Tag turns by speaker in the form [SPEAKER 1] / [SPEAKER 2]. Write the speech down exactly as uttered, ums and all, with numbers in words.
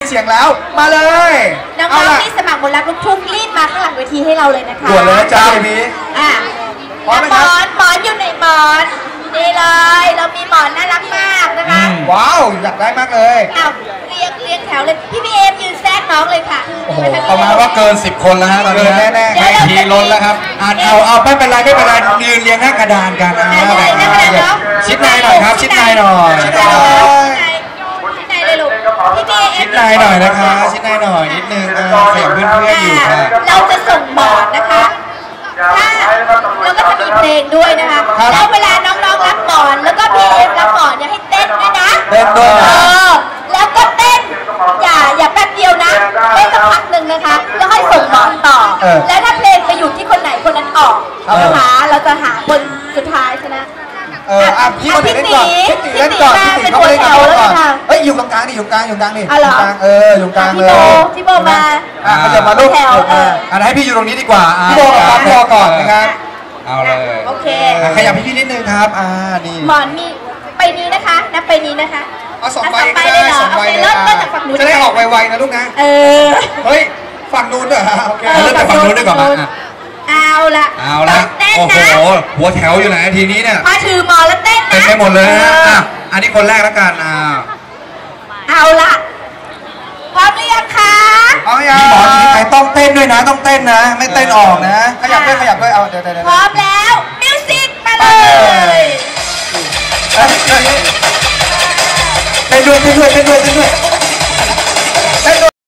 [SPEAKER 1] เสียงแล้วมาเลย
[SPEAKER 2] น้องๆที่สมัครบนรักลูกทุ่งรีบมาข้างหลังเวทีให้เราเลยนะคะ
[SPEAKER 1] ด่วนเลยนะจ๊ะพี่
[SPEAKER 2] อ่ะหมอนหมอนอยู่ในหมอนนี่เลยเรามีหมอนน่ารักมากนะคะ
[SPEAKER 1] ว้าวอยากได้มากเลย
[SPEAKER 2] อ้าวเรียงเรียงแถวเลยพี่พีเอ็มยืนแทรกน้องเลยค่ะ
[SPEAKER 3] โอ้โหประมาณว่าเกินสิบคนแล้วฮะตอนนี้
[SPEAKER 1] แน่ๆ
[SPEAKER 3] ไม่ทีล้นแล้วครับอ่านเอาเอาไม่เป็นไรไม่เป็นไรยืนเรียงหน้ากระดานกันอ่าชิดในหน่อยครับชิดในหน่อย
[SPEAKER 2] ชิดในเลยลูกพี่พีเอ็ม
[SPEAKER 3] ชิดในหน่อยนะคะชิดในหน่อยนิดนึงขยับเพื่อนๆอยู่ค่ะ
[SPEAKER 2] เราจะส่งหมอนนะคะถ้าแล้วก็จะมีเพลงด้วยนะคะแล้วเวลาน้องๆรับหมอนแล้วก็พีเอ็มรับหมอนอย่าให้เต้นด้วยนะ
[SPEAKER 1] เต้นด้วยนะ
[SPEAKER 2] แล้วก็เต้นอย่าอย่าแป๊บเดียวนะเต้นสักพักหนึ่งนะคะแล้วให้ส่งหมอนต่อแล้วถ้าเพลงไปอยู่ที่คนไหนคนนั้นออกนะคะเราจะหาคนสุดท้ายชนะ
[SPEAKER 1] เอออ่ะพี่คนเล่นก่อนพี่ตีเล่นก่อนพี่ตีเขาเล่นก่อนเฮ้ยอยู่ตรงกลางดิอยู่กลางอยู่กลางดิอยู่กลางเอออยู่กลางเลย
[SPEAKER 2] พี่โบมา
[SPEAKER 1] อ่ะเขาจะมาลูกแถว
[SPEAKER 3] อ่ะให้พี่อยู่ตรงนี้ดีกว่า
[SPEAKER 1] พี่โบกับปั๊มรอก่อนนะครับ
[SPEAKER 3] เอาเลย
[SPEAKER 2] โอเค
[SPEAKER 3] ขยับพี่นิดนึงครับอ่านี่
[SPEAKER 2] หมอนมีไปนี้นะคะนับไปนี้นะคะ
[SPEAKER 1] เอาสองใบก็ได้สองใบเลยจะได้ออกไวๆนะลูกนะ
[SPEAKER 2] เออ
[SPEAKER 1] เฮ้ยฝั่งนู้นเหรอโอเค
[SPEAKER 3] เริ่มจากฝั่งนู้นดีกว่ามา
[SPEAKER 2] เอาละ
[SPEAKER 3] เอาละโอ้โหหัวแถวอยู่ไหนทีนี้เนี่ย
[SPEAKER 2] พอถือหมอนแล้วเต้นนะ
[SPEAKER 3] เต้นไปหมดเลยนะอ่ะอันนี้คนแรกแล้วกันอ่า
[SPEAKER 2] เอาละพร้อมหรือยังคะ
[SPEAKER 1] พร้อมยัง
[SPEAKER 3] หมอนใครต้องเต้นด้วยนะต้องเต้นนะไม่เต้นออกนะ
[SPEAKER 1] ขยับด้วยขยับด้วยเอาเดี๋ยวเดี๋ยว
[SPEAKER 2] พร้อมแล้วมิวสิกมาเลย
[SPEAKER 3] เต้นด้วยเต้นด้วยเต้นด้วยเต้นด้วย